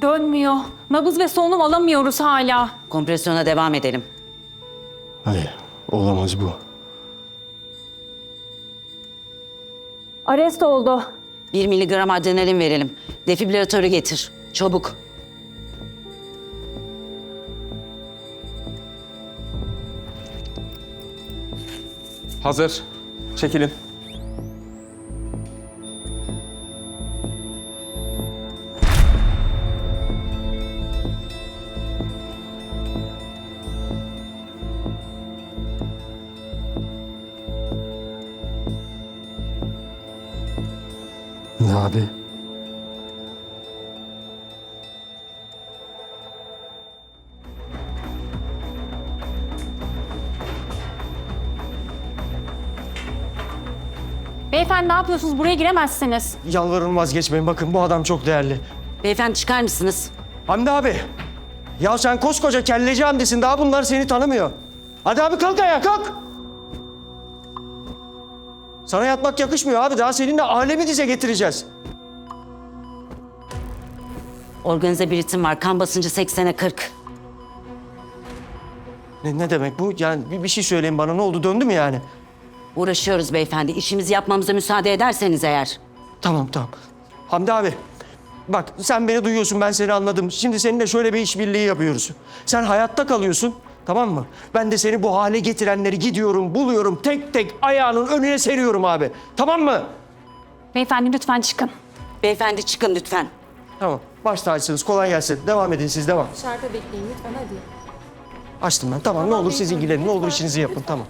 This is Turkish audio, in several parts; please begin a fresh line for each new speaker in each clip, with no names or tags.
Dönmüyor. Nabız ve solunum alamıyoruz hala.
Kompresyona devam edelim.
Hayır, olamaz bu.
Arrest oldu.
1 miligram adrenalin verelim. Defibrilatörü getir. Çabuk.
Hazır. Çekilin.
Ne abi?
Beyefendi ne yapıyorsunuz? Buraya giremezsiniz.
Yalvarırım vazgeçmeyin. Bakın bu adam çok değerli.
Beyefendi çıkar mısınız?
Hamdi abi. Ya sen koskoca kelleci Hamdi'sin. Daha bunlar seni tanımıyor. Hadi abi kalk ayağa kalk. Sana yatmak yakışmıyor abi. Daha seninle alemi dize getireceğiz.
Organize bir ritim var. Kan basıncı 80'e 40.
Ne demek bu? Yani bir şey söyleyin bana. Ne oldu? Döndü mü yani?
Uğraşıyoruz beyefendi. İşimizi yapmamıza müsaade ederseniz eğer.
Tamam. Hamdi abi. Bak sen beni duyuyorsun. Ben seni anladım. Şimdi seninle şöyle bir işbirliği yapıyoruz. Sen hayatta kalıyorsun. Tamam mı? Ben de seni bu hale getirenleri gidiyorum, buluyorum. Tek tek ayağının önüne seriyorum abi. Tamam mı?
Beyefendi lütfen çıkın.
Beyefendi çıkın lütfen.
Tamam. Baş tacısınız. Kolay gelsin. Devam edin siz. Devam.
Dışarıda bekleyin lütfen hadi.
Açtım ben. Tamam. Ne olur siz ilgilenin. Ne olur işinizi yapın. Tamam.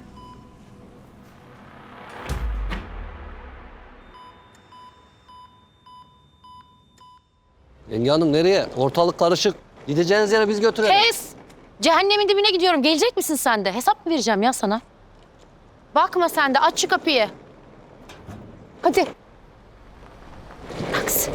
Yenge hanım nereye? Ortalık karışık. Gideceğiniz yere biz götürelim.
Kes! Cehennemin dibine gidiyorum. Gelecek misin sen de? Hesap mı vereceğim ya sana? Bakma sen de. Aç şu kapıyı. Hadi. Taksi.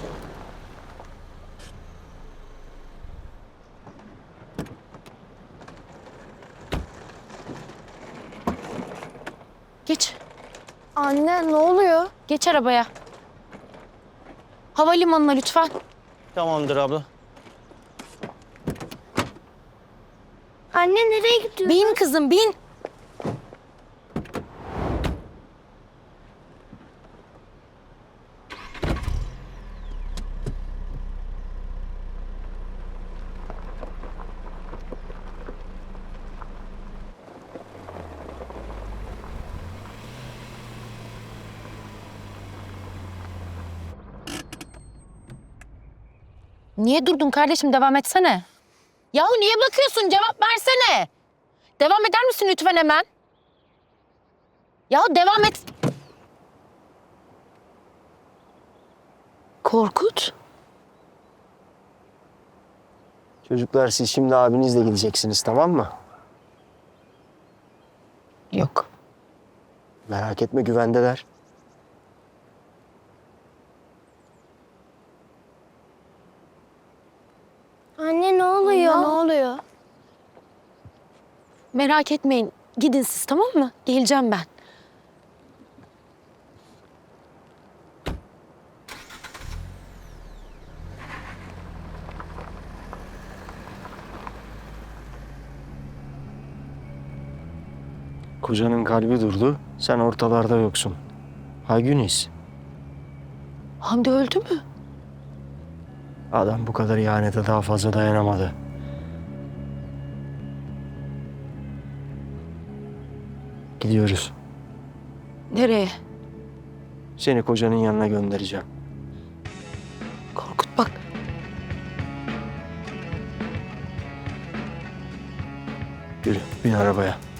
Geç.
Anne ne oluyor?
Geç arabaya. Havalimanına lütfen.
Tamamdır abla.
Anne nereye gidiyorsun?
Bin kızım bin. Niye durdun kardeşim? Devam etsene. Yahu niye bakıyorsun? Cevap versene. Devam eder misin lütfen hemen? Yahu devam et. Korkut.
Çocuklar siz şimdi abinizle gideceksiniz tamam mı?
Yok.
Merak etme güvendeler.
Anne ne oluyor? Ne oluyor?
Merak etmeyin. Gidin siz tamam mı? Geleceğim ben.
Kocanın kalbi durdu. Sen ortalarda yoksun. Haygüniz.
Hamdi öldü mü?
Adam bu kadar ihanete daha fazla dayanamadı. Gidiyoruz.
Nereye?
Seni kocanın yanına göndereceğim.
Korkut bak.
Yürü, bin arabaya.